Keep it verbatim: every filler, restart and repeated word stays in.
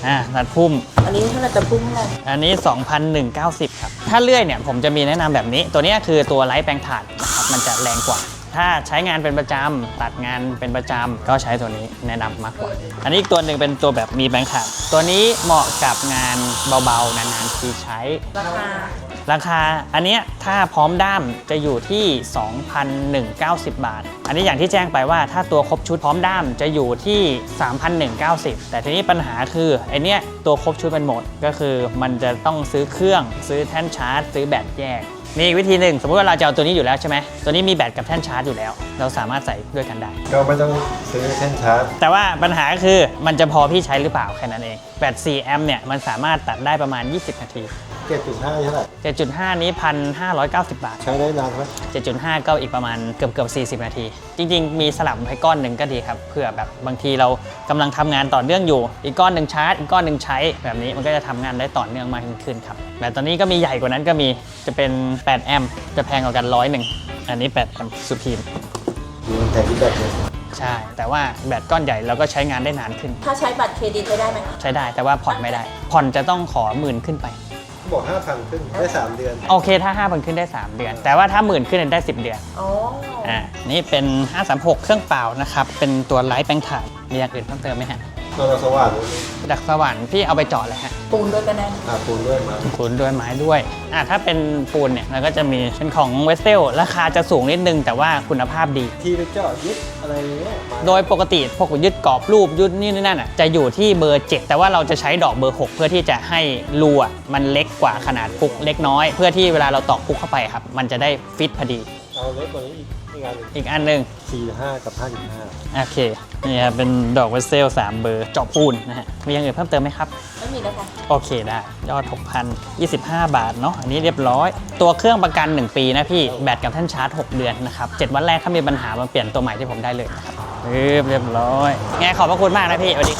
อ่าตัดพุ่มอันนี้เท่าไหร่ตัดพุ่มเท่าไหร่อันนี้ สองพันหนึ่งร้อยเก้าสิบ ครับถ้าเลื่อยเนี่ยผมจะมีแนะนำแบบนี้ตัวนี้คือตัวไร้แปลงถ่านนะครับมันจะแรงกว่าถ้าใช้งานเป็นประจำตัดงานเป็นประจำก็ใช้ตัวนี้แนะนำมากกว่าอันนี้อีกตัวหนึ่งเป็นตัวแบบมีแปลงถ่านตัวนี้เหมาะกับงานเบาๆนานๆทีใช้ราคาราคาอันนี้ถ้าพร้อมด้ามจะอยู่ที่ สองพันหนึ่งร้อยเก้าสิบ บาทอันนี้อย่างที่แจ้งไปว่าถ้าตัวครบชุดพร้อมด้ามจะอยู่ที่ สามพันหนึ่งร้อยเก้าสิบ แต่ทีนี้ปัญหาคือไอเนี้ยตัวครบชุดเป็นหมดก็คือมันจะต้องซื้อเครื่องซื้อแท่นชาร์จซื้อแบตแยกมีวิธีหนึ่งสมมติว่าเราจะเอาตัวนี้อยู่แล้วใช่ไหมตัวนี้มีแบตกับแท่นชาร์จอยู่แล้วเราสามารถใส่ด้วยกันได้ก็ไม่ต้องซื้อแท่นชาร์จแต่ว่าปัญหาคือมันจะพอพี่ใช้หรือเปล่าแค่นั้นเองแบตสี่แอมป์เนี่ยมันสามารถตัดได้ประมาณยี่สิบนาทีเจ็ดจุดห้า เท่าไหร่เจ็ดจุดห้า นี้ หนึ่งพันห้าร้อยเก้าสิบ บาทใช้ได้นานไหมเจ็ดจุดห้า ก็อีกประมาณเกือบเกือบสี่สิบนาทีจริงๆมีสลับให้ก้อนหนึ่งก็ดีครับเผื่อแบบบางทีเรากำลังทำงานต่อเนื่องอยู่อีกก้อนหนึ่งชาร์จอีกก้อนหนึ่งใช้แบบนี้มันก็จะทำงานได้ต่อเนื่องมากขึ้นครับแต่ตอนนี้ก็มีใหญ่กว่านั้นก็มีจะเป็นแปดแอมป์จะแพงกว่ากันร้อยหนึ่งอันนี้แปดแอมป์สุพีมมีแต่ที่แบตเลยใช่แต่ว่าแบตก้อนใหญ่เราก็ใช้งานได้นานขึ้นถ้าใช้บัตรเครดิตใช้ได้ไหมใช้ได้แต่ว่าผ่อนไม่ได้ผ่อนจะต้องขอหมื่นขึ้นไปบอก ห้าพัน ขึ้นได้สามเดือนโอเคถ้า ห้าพัน ขึ้นได้สามเดือนแต่ว่าถ้าหมื่นขึ้นได้สิบเดือนอ๋ออ่านี่เป็นห้าสามหกเครื่องเปล่านะครับเป็นตัวไร้แปลงถ่านมีอย่างอื่นเพิ่มเติมไหมฮะตัวสว่านดักสว่านพี่เอาไปเจาะเลยฮะปูนด้วยกันได้อ่าปูนด้วยมาปูนด้วยไม้ด้วยอ่าถ้าเป็นปูนเนี่ยเราก็จะมีเป็นของเวสเทลราคาจะสูงนิดนึงแต่ว่าคุณภาพดีที่ไปเจาะยึดอะไรเงี้ยโดยปกติพวกยึดกรอบรูปยึดนี่นั่นอ่ะจะอยู่ที่เบอร์เจ็ดแต่ว่าเราจะใช้ดอกเบอร์หกเพื่อที่จะให้รูอ่ะมันเล็กกว่าขนาดพุกเล็กน้อยเพื่อที่เวลาเราตอกพุกเข้าไปครับมันจะได้ฟิตพอดีเอาเล็กกว่านี้อีกอีกอันหนึ่งอีกอันหนึ่งสี่จุดห้า กับ ห้าจุดห้าโอเคนี่ครับเป็นดอกเวสเซลสามเบอร์เจาะปูนนะฮะมีอย่างอื่นเพิ่มเติมไหมครับไม่มีแล้วค่ะโอเคได้ยอด หกพันยี่สิบห้า บาทเนาะอันนี้เรียบร้อยตัวเครื่องประกันหนึ่งปีนะพี่แบตกับแท่นชาร์จหกเดือนนะครับเจ็ดวันแรกถ้ามีปัญหามาเปลี่ยนตัวใหม่ที่ผมได้เลยนะครับเรียบร้อยไงขอบพระคุณมากนะพี่สวัสดี